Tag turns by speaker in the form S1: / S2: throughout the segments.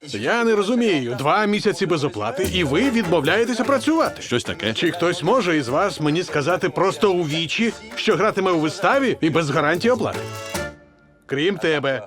S1: Я не розумію. 2 місяці без оплати, і ви відмовляєтеся працювати.
S2: Щось таке.
S1: Чи хтось може із вас мені сказати просто у вічі, що гратиме у виставі і без гарантії оплати? Крім тебе.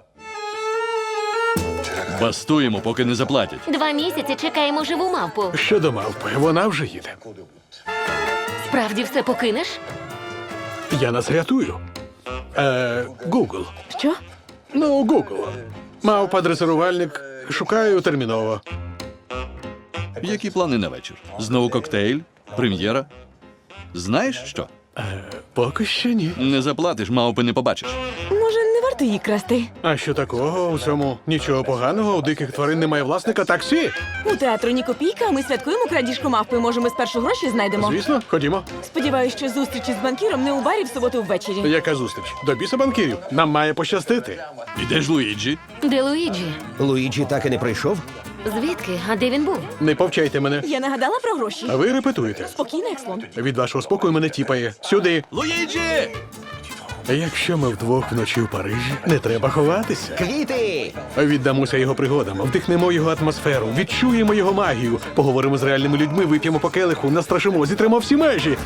S2: Бастуємо, поки не заплатять.
S3: 2 місяці чекаємо живу мавпу.
S1: Щодо мавпи, вона вже їде.
S3: Справді все покинеш?
S1: Я нас рятую. Google.
S3: Що?
S1: Ну, Google. Мавпа дресирувальник. Шукаю терміново.
S2: Які плани на вечір? Знову коктейль? Прем'єра? Знаєш що?
S1: Поки що ні.
S2: Не заплатиш, мавпи не побачиш.
S4: Може, не варто її красти?
S1: А що такого у цьому? Нічого поганого, у диких тварин немає власника таксі.
S4: У театру ні копійка, а ми святкуємо крадіжку мавпи. Може, ми спершу гроші знайдемо?
S1: Звісно, ходімо.
S4: Сподіваюсь, що зустрічі з банкіром не у барі в суботу ввечері.
S1: Яка зустріч? До біса банкірів. Нам має пощастити.
S2: І де ж Луїджі?
S3: Де Луїджі?
S5: Луїджі так і не прийшов?
S3: Звідки? А де він був?
S1: Не повчайте мене.
S4: Я нагадала про гроші.
S1: А ви репетуєте.
S4: Спокійно, Екслон.
S1: Від вашого спокою мене тіпає. Сюди.
S2: Луїджі!
S1: Якщо ми вдвох вночі в Парижі, не треба ховатися.
S5: Квіти!
S1: Віддамося його пригодам, вдихнемо його атмосферу, відчуємо його магію, поговоримо з реальними людьми, вип'ємо по келиху, настрашимо, зітримо всі межі.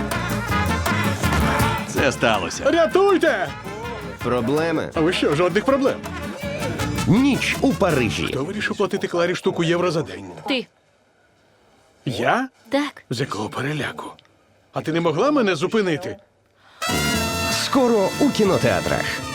S2: Це сталося.
S1: Рятуйте!
S5: Проблеми?
S1: А ви що, жодних проблем?
S5: Ніч у Парижі.
S1: Хто вирішив платити Кларі штуку євро за день?
S3: Ти.
S1: Я?
S3: Так.
S1: З якого переляку? А ти не могла мене зупинити?
S5: Скоро у кінотеатрах.